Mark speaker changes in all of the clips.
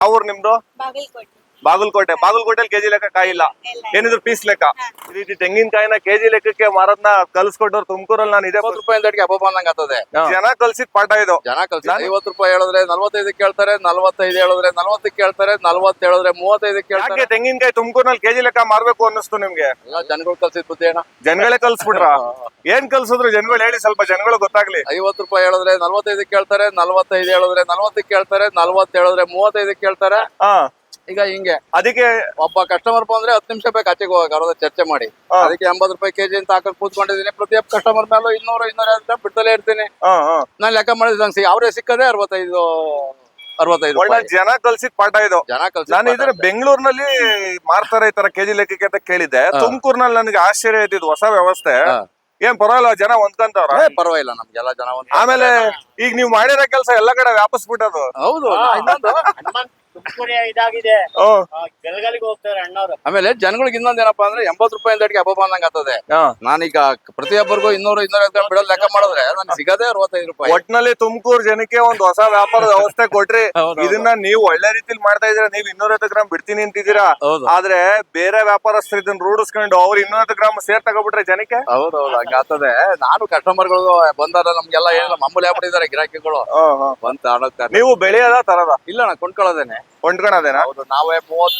Speaker 1: ಯಾವ ಊರು ನಿಮ್ದು?
Speaker 2: ಬಾಗಲಕೋಟೆ.
Speaker 1: ಬಾಗಲಕೋಟೆಲಿ ಕೆಜಿ ಲೆಕ್ಕ ಕಾಯಿ ಇಲ್ಲ, ಏನಿದ್ರು ಪೀಸ್ ಲೆಕ್ಕ. ಈ ರೀತಿ ತೆಂಗಿನಕಾಯಿನ ಕೆಜಿ ಲೆಕ್ಕಕ್ಕೆ ಮಾರದ್ನ ಕಲ್ಸ್ಕೊಟ್ಟವ್ರು ತುಮಕೂರಲ್ಲಿ. ನಾನು ಇದೇ
Speaker 3: 50 ರೂಪಾಯಿ ಅಂಗಡಿಗೆ ಹಬ್ಬ ಬಂದಂಗ ಆಗ್ತದೆ.
Speaker 1: ಜನ ಕಲ್ಸಿದ ಪಾಠ ಇದು.
Speaker 3: ಜನ ಕಲ್ಸಿ 50 ರೂಪಾಯಿ ಹೇಳಿದ್ರೆ 45 ಕೇಳ್ತಾರೆ, 45 ಹೇಳಿದ್ರೆ 40 ಕೇಳ್ತಾರೆ, 40 ಹೇಳಿದ್ರೆ 35 ಕೇಳ್ತಾರೆ.
Speaker 1: ಯಾಕೆ ತೆಂಗಿನಕಾಯಿ ತುಮಕೂರಿನಲ್ಲಿ ಕೆಜಿ ಲೆಕ್ಕ ಮಾರ್ಬೇಕು ಅನ್ನಿಸ್ತು ನಿಮ್ಗೆ?
Speaker 3: ಎಲ್ಲ ಜನಗಳು ಕಲ್ಸಿದ್ ಬುದ್ಧಿ ಅಣ್ಣ.
Speaker 1: ಜನಗಳೇ ಕಲ್ಸ್ಬಿಟ್ರ? ಏನ್ ಕಲ್ಸಿದ್ರು ಜನಗಳು ಹೇಳಿ, ಸ್ವಲ್ಪ ಜನಗಳು ಗೊತ್ತಾಗ್ಲಿ.
Speaker 3: 50 ರೂಪಾಯಿ ಹೇಳಿದ್ರೆ 45 ಕೇಳ್ತಾರೆ, 45 ಹೇಳಿದ್ರೆ 40 ಕೇಳ್ತಾರೆ, 40 ಹೇಳಿದ್ರೆ 35 ಕೇಳ್ತಾರೆ. ಈಗ ಹಿಂಗೆ
Speaker 1: ಅದಕ್ಕೆ
Speaker 3: ಒಬ್ಬ ಕಸ್ಟಮರ್ ಬಂದ್ರೆ 10 ನಿಮಿಷ ಬೇಕು ಆಚೆಗೆ ಹೋಗಕ್ಕೆ, ಅವ್ರ ಜೊತೆ ಚರ್ಚೆ ಮಾಡಿ. ಅದಕ್ಕೆ 80 ರೂಪಾಯಿ ಕೆಜಿ ಅಂತ ಹಾಕಿ ಕೂತ್ಕೊಂಡಿದ್ದೀನಿ. ಪ್ರತಿಯೊಬ್ಬ ಕಸ್ಟಮರ್ ಮೇಲೂ 200 250 ಬಿಡ್ತಲೇ ಇರ್ತೀನಿ. ನಾನು ಲೆಕ್ಕ ಮಾಡಿದ್ರೆ ಅವರೇ ಸಿಕ್ಕದೆ 65
Speaker 1: ಒಳ್ಳೆ ಜನ ಕಲ್ಸಿದ ಪಾಠ ಇದು.
Speaker 3: ಜನ ಕಲ್ಸಿ.
Speaker 1: ನಾನು ಇದ್ರೆ ಬೆಂಗಳೂರಿನಲ್ಲಿ ಮಾರ್ತಾರೆ ಈ ತರ ಕೆಜಿ ಲೆಕ್ಕಕ್ಕೆ ಅಂತ ಕೇಳಿದ್ದೆ. ತುಮಕೂರಿನಲ್ಲಿ ನನಗೆ ಆಶ್ಚರ್ಯ ಇದ್ದಿದ್ದು ಹೊಸ ವ್ಯವಸ್ಥೆ. ಏನ್ ಪರವಾಗಿಲ್ಲ, ಜನ ಹೊಂದ್ಕಂತವ್ರ?
Speaker 3: ಪರವಾಗಿಲ್ಲ, ನಮ್ಗೆಲ್ಲ ಜನ.
Speaker 1: ಆಮೇಲೆ ಈಗ ನೀವ್ ಮಾಡಿರೋ ಕೆಲಸ ಎಲ್ಲಾ ಕಡೆ ವ್ಯಾಪಿಸ್ಬಿಟ್ಟದು.
Speaker 3: ಹೌದು.
Speaker 4: ತುಮಕೂರು ಇದಾಗಿದೆ, ಬೆಳಗಾಲಿಗೆ ಹೋಗ್ತಾರೆ ಅಣ್ಣವ್ರು.
Speaker 3: ಆಮೇಲೆ ಜನಗಳಿಗೆ ಇನ್ನೊಂದೇನಪ್ಪಾ ಅಂದ್ರೆ 80 ರೂಪಾಯಿ ಅಂಗಡಿಗೆ ಹಬ್ಬ ಬಂದಂಗ ಆಗ್ತದೆ. ನಾನೀಗ ಪ್ರತಿಯೊಬ್ಬರಿಗೂ 200 250 ಬಿಡೋದು ಲೆಕ್ಕ ಮಾಡಿದ್ರೆ ನನ್ಗೆ ಸಿಗದೆ 65 ರೂಪಾಯಿ.
Speaker 1: ಒಟ್ನಲ್ಲಿ ತುಮಕೂರು ಜನಕ್ಕೆ ಒಂದು ಹೊಸ ವ್ಯಾಪಾರದ ವ್ಯವಸ್ಥೆ ಕೊಟ್ರಿ. ಇದನ್ನ ನೀವು ಒಳ್ಳೆ ರೀತಿಲಿ ಮಾಡ್ತಾ ಇದೀರಾ. ನೀವು 250 ಗ್ರಾಮ್ ಬಿಡ್ತೀನಿ ಅಂತಿದ್ದೀರಾ. ಆದ್ರೆ ಬೇರೆ ವ್ಯಾಪಾರಸ್ಥರು ಇದನ್ನ ರೂಢಿಸ್ಕೊಂಡು ಅವ್ರು 250 ಗ್ರಾಮ್ ಸೇರ್ ತಗೋಬಿಟ್ರೆ ಜನಕ್ಕೆ.
Speaker 3: ಹೌದೌದು, ಹಂಗ ಆಗ್ತದೆ. ನಾನು ಕಸ್ಟಮರ್ಗಳು ಬಂದಾರ ನಮ್ಗೆಲ್ಲ ಏನಿಲ್ಲ ಮಾಮೂಲಿ ಆಗ್ಬಿಟ್ಟಿದ್ದಾರೆ ಗಿರಾಕಿಗಳು. ಬಂತ ಆಡೋಗ್ತಾರೆ.
Speaker 1: ನೀವು ಬೆಳೆಯದ ತರದ?
Speaker 3: ಇಲ್ಲ, ನಾ ಕೊಂಡ್ಕೊಳ್ಳೋದೇನೆ.
Speaker 1: ಕೊಂಡ್ಕೊಳದೇನಾ?
Speaker 3: ಹೌದು. ನಾವೇ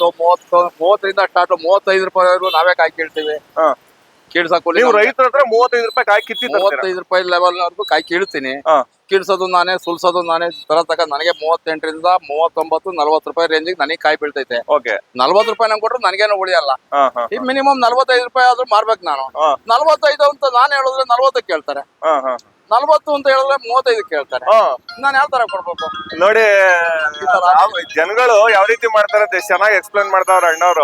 Speaker 3: 30 ಸ್ಟಾರ್ಟ್ 35 ರೂಪಾಯಿವರೆಗೂ ನಾವೇ ಕಾಯಿ ಕೀಳ್ತೀವಿ. ಕೀಳ್ಸಾಕು
Speaker 1: ನೀವು ರೈತರ ಹತ್ರ 35 ರೂಪಾಯಿ ಕಾಯಿ ಕಿತ್ತಿ
Speaker 3: 35 ರೂಪಾಯಿ ಲೆವೆಲ್ ವರೆಗೂ ಕಾಯಿ ಕೀಳ್ತೀನಿ. ಕೀಳ್ಸೋದು ನಾನೇ, ಸುಲ್ಸೋದು ನಾನೇ. ತಕ ನನಗೆ 38 ರಿಂದ 39 40 ರೂಪಾಯಿ ರೇಂಜಿಗೆ ನನಗೆ ಕಾಯಿ ಬೀಳ್ತೈತೆ. 40 ರೂಪಾಯಿ ನಂಗೆ ಕೊಟ್ರು ನನಗೇನು ಉಳಿಯಲ್ಲ. ಈ ಮಿನಿಮಮ್ 45 ರೂಪಾಯಿ ಆದ್ರೂ ಮಾರ್ಬೇಕು ನಾನು. 45 ಅಂತ ನಾನು ಹೇಳಿದ್ರೆ 40 ಕೇಳ್ತಾರೆ. 40 ಅಂತ ಹೇಳಿದ್ರೆ 35 ಕೇಳ್ತಾರೆ. ನಾನು ಯಾವ ತರ ಕೊಡ್ಬೇಕು
Speaker 1: ನೋಡಿ? ಜನಗಳು ಯಾವ ರೀತಿ ಮಾಡ್ತಾರೆ ಅಂತ ಚೆನ್ನಾಗಿ ಎಕ್ಸ್ಪ್ಲೇನ್ ಮಾಡ್ತಾವ್ರ ಅಣ್ಣವ್ರು.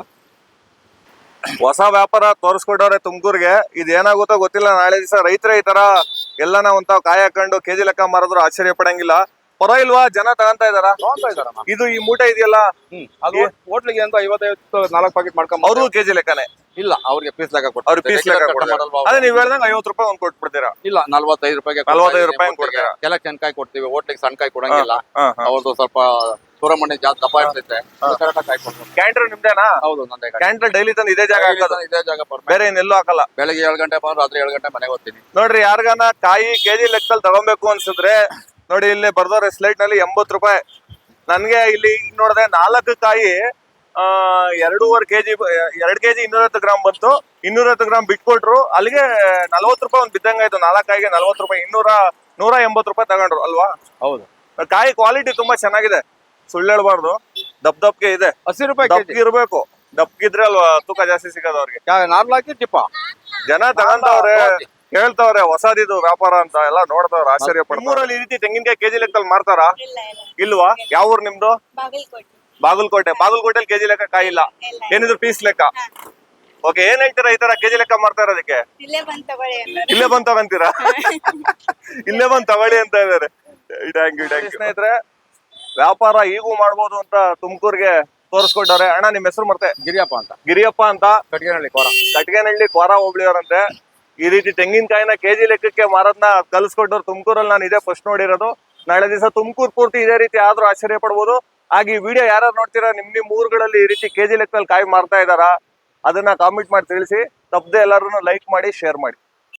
Speaker 1: ಹೊಸ ವ್ಯಾಪಾರ ತೋರಿಸ್ಕೊಟ್ಟವ್ರೆ ತುಮಕೂರ್ಗೆ. ಇದು ಏನಾಗುತ್ತೋ ಗೊತ್ತಿಲ್ಲ. ನಾಳೆ ದಿವಸ ರೈತರ ಈ ತರ ಎಲ್ಲಾನ ಒಂತಾವ್ ಕಾಯಿ ಹಾಕೊಂಡು ಕೆಜಿ ಲೆಕ್ಕ ಮಾರಿದ್ರು ಆಶ್ಚರ್ಯ ಪಡಂಗಿಲ್ಲ. ಪರವಾಗಿಲ್ವಾ? ಜನ ತಗೊಂತಾ ಇದಾರ? ಇದು ಈ ಮೂಟೆ ಇದೆಯಲ್ಲ,
Speaker 3: ಅದು ಹೋಟ್ಲಿಗೆ ಅಂತ 55 4 ಪ್ಯಾಕೆಟ್ ಮಾಡ್ಕೊಂಡ್
Speaker 1: ಅವ್ರು ಕೆಜಿ ಲೆಕ್ಕನೆ?
Speaker 3: ಇಲ್ಲ, ಅವ್ರಿಗೆ ಪೀಸ್ ಲೆಕ್ಕ ಕೊಟ್ಟು.
Speaker 1: ಅವ್ರಿಗೆ ಪೀಸ್ ಲೆಕ್ಕ ಕೊಡಲ್ವಾ? ಅದೇ ನೀವ್ ಹೇಳ್ದಂಗ 50 ರೂಪಾಯಿ ಒಂದ್ ಕೊಟ್ಬಿಡ್ತೀರಾ?
Speaker 3: ಇಲ್ಲ, 45 ರೂಪಾಯಿಗೆ
Speaker 1: 45 ರೂಪಾಯಿ ಕೊಡ್ತೀರಾ?
Speaker 3: ಕೆಲಕ್ಕೆ ಸಣ್ಣ ಕೊಡ್ತೀವಿ, ಹೋಟ್ಲಿಗೆ ಸಣ್ಣ ಕಾಯಿ ಕೊಡಂಗಿಲ್ಲ. ಅವ್ರದ್ದು ಸ್ವಲ್ಪ ಸೂರಮಣ್ಣಿ ಜಾಸ್ತಿ ದಪ್ಪ ಇರ್ತೈತೆ.
Speaker 1: ಕ್ಯಾಂಟರ್ ನಿಮ್ದೇನಾ?
Speaker 3: ಹೌದು, ನಂದೇ.
Speaker 1: ಕ್ಯಾಂಟರ್ ಡೈಲಿ ತಂದು ಇದೇ ಜಾಗ ಹಾಕೋದು?
Speaker 3: ಇದೇ ಜಾಗ,
Speaker 1: ಬೇರೆ ಇನ್ನೆಲ್ಲೂ ಹಾಕಲ್ಲ.
Speaker 3: ಬೆಳಗ್ಗೆ 7 ಗಂಟೆ ಬಂದ್ರೆ ರಾತ್ರಿ 7 ಗಂಟೆ ಮನೆಗೆ ಹೋಗ್ತೀನಿ.
Speaker 1: ನೋಡ್ರಿ, ಯಾರಿಗಾನ ಕಾಯಿ ಕೆಜಿ ಲೆಕ್ಕದಲ್ಲಿ ತಗೊಬೇಕು ಅನ್ಸಿದ್ರೆ ನೋಡಿ, ಇಲ್ಲಿ ಬರ್ದವ್ರೆ ಸ್ಲೈಟ್ ನಲ್ಲಿ 80 ರೂಪಾಯಿ. ನನ್ಗೆ ಇಲ್ಲಿ ನೋಡಿದ್ರೆ 4 ಕಾಯಿ 2.5 ಕೆಜಿ 2 ಕೆಜಿ 250 ಗ್ರಾಮ್ ಬಂತು. 250 ಗ್ರಾಮ್ ಬಿಟ್ಕೊಟ್ರು. ಅಲ್ಲಿಗೆ 40 ರೂಪಾಯಿ ಒಂದ್ ಬಿದ್ದಂಗಾಯ್ತು. 4 ಕಾಯಿಗೆ 40 ರೂಪಾಯಿ. 180 ರೂಪಾಯಿ ತಗೊಂಡ್ರು ಅಲ್ವಾ?
Speaker 3: ಹೌದು.
Speaker 1: ಕಾಯಿ ಕ್ವಾಲಿಟಿ ತುಂಬಾ ಚೆನ್ನಾಗಿದೆ, ಸುಳ್ಳು ಹೇಳ್ಬಾರ್ದು. ದಪ್ಗೆ ಇದೆ.
Speaker 3: 80 ರೂಪಾಯಿ
Speaker 1: ದಪ್ಗೆ ಇರ್ಬೇಕು. ದಪ್ಗಿದ್ರೆ ಅಲ್ವಾ ತೂಕ ಜಾಸ್ತಿ ಸಿಗೋದು ಅವ್ರಿಗೆ.
Speaker 3: ನಾರ್ಮಲ್ ಹಾಕಿ ಟಿಪ್ಪ
Speaker 1: ಜನ ತಗೊಂತವ್ರೆ, ಹೇಳ್ತವ್ರೆ ಹೊಸದಿದು ವ್ಯಾಪಾರ ಅಂತ ಎಲ್ಲ ನೋಡ್ತವ್ರೆ, ಆಶ್ಚರ್ಯ ಪಡ್ತಾರೆ. ನಿಮ್ಮೂರಲ್ಲಿ ಈ ರೀತಿ ತೆಂಗಿನಕಾಯಿ ಕೆಜಿ ಲೆಕ್ಕದಲ್ಲಿ ಮಾರ್ತಾರಾ? ಇಲ್ವಾ? ಯಾವ ಊರು ನಿಮ್ದು? ಬಾಗಲಕೋಟೆಲಿ ಕೆಜಿ ಲೆಕ್ಕ ಕಾಯಿ ಇಲ್ಲ, ಏನಿದ್ರು ಪೀಸ್ ಲೆಕ್ಕ. ಓಕೆ, ಏನ್ ಹೇಳ್ತೀರಾ ಈ ತರ ಕೆಜಿ ಲೆಕ್ಕ ಮಾಡ್ತಾ ಇರೋದಕ್ಕೆ? ಇಲ್ಲೇ ಬಂದ್ ತಗೊಂತೀರಾ? ಇಲ್ಲೇ ಬಂದ್ ತಗೊಳ್ಳಿ ಅಂತ ಇದಾರೆ. ಸ್ನೇಹಿತರೆ, ವ್ಯಾಪಾರ ಈಗೂ ಮಾಡ್ಬೋದು ಅಂತ ತುಮಕೂರ್ಗೆ ತೋರಿಸ್ಕೊಟ್ಟವ್ರೆ. ಅಣ್ಣ, ನಿಮ್ ಹೆಸರು ಮತ್ತೆ?
Speaker 3: ಗಿರಿಯಪ್ಪ ಅಂತ.
Speaker 1: ಗಿರಿಯಪ್ಪ ಅಂತ,
Speaker 3: ಕಟ್ಗೆನಹಳ್ಳಿ
Speaker 1: ಕೋರ ಹೋಬ್ಳಿಯವರಂತೆ. ಈ ರೀತಿ ತೆಂಗಿನಕಾಯಿನ ಕೆಜಿ ಲೆಕ್ಕಕ್ಕೆ ಮಾರದ್ನ ಕಲ್ಸ್ಕೊಟ್ಟವ್ರು ತುಮಕೂರಲ್ಲಿ. ನಾನು ಇದೇ ಫಸ್ಟ್ ನೋಡಿರೋದು. ನಾಳೆ ದಿವಸ ತುಮಕೂರು ಪೂರ್ತಿ ಇದೇ ರೀತಿ ಆದ್ರೂ ಆಶ್ಚರ್ಯ ಪಡ್ಬೋದು. ಹಾಗೆ ಈ ವಿಡಿಯೋ ಯಾರು ನೋಡ್ತೀರಾ, ನಿಮ್ ಊರುಗಳಲ್ಲಿ ಈ ರೀತಿ ಕೆಜಿ ಲೆಕ್ಕದಲ್ಲಿ ಕಾಯಿ ಮಾರ್ತಾ ಇದಾರಾ? ಅದನ್ನ ಕಾಮೆಂಟ್ ಮಾಡಿ ತಿಳಿಸಿ. ತಪ್ಪದೆ ಎಲ್ಲರೂ ಲೈಕ್ ಮಾಡಿ, ಶೇರ್ ಮಾಡಿ.